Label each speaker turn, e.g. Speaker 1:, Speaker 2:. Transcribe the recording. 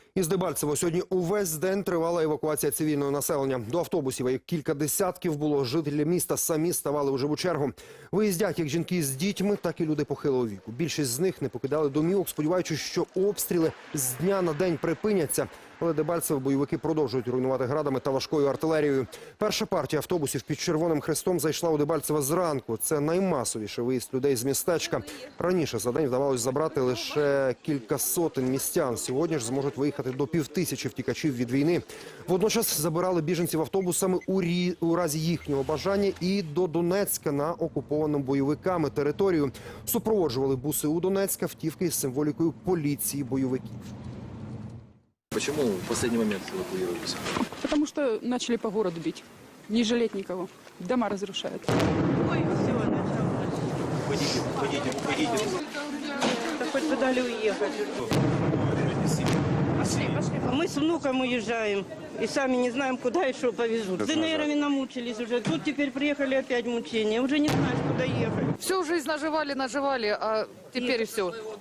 Speaker 1: Із Дебальцево сьогодні увесь день тривала евакуація цивільного населення. До автобусів, як кілька десятків було, жителі міста самі ставали у живу чергу. Виїздять як жінки з дітьми, так і люди похилого віку. Більшість з них не покидали домівок, сподіваючись, що обстріли з дня на день припиняться. Але Дебальцево бойовики продовжують руйнувати градами та важкою артилерією. Перша партія автобусів під Червоним Хрестом зайшла у Дебальцево зранку. Це наймасовіший виїзд людей з містечка. Раніше за день вдавалось забрати лише кілька сотень містян. Сьогодні ж зможуть виїхати до 5000 втікачів від війни. Водночас забирали біженців автобусами у разі їхнього бажання і до Донецька на окуповану бойовиками територію. Супроводжували буси у Донецьк автівки з символікою поліції бойовиків.
Speaker 2: Почему в последний момент эвакуировались?
Speaker 3: Потому что начали по городу бить. Не жалеть никого. Дома разрушают.
Speaker 4: Ой, все, началось.
Speaker 2: Уходите.
Speaker 4: Да хоть бы дали уехать. А мы с внуком уезжаем. И сами не знаем, куда и что повезут. С ДНРами намучились уже. Тут теперь приехали опять мучения. Уже не знаешь, куда ехать.
Speaker 5: Всю жизнь наживали, а теперь все.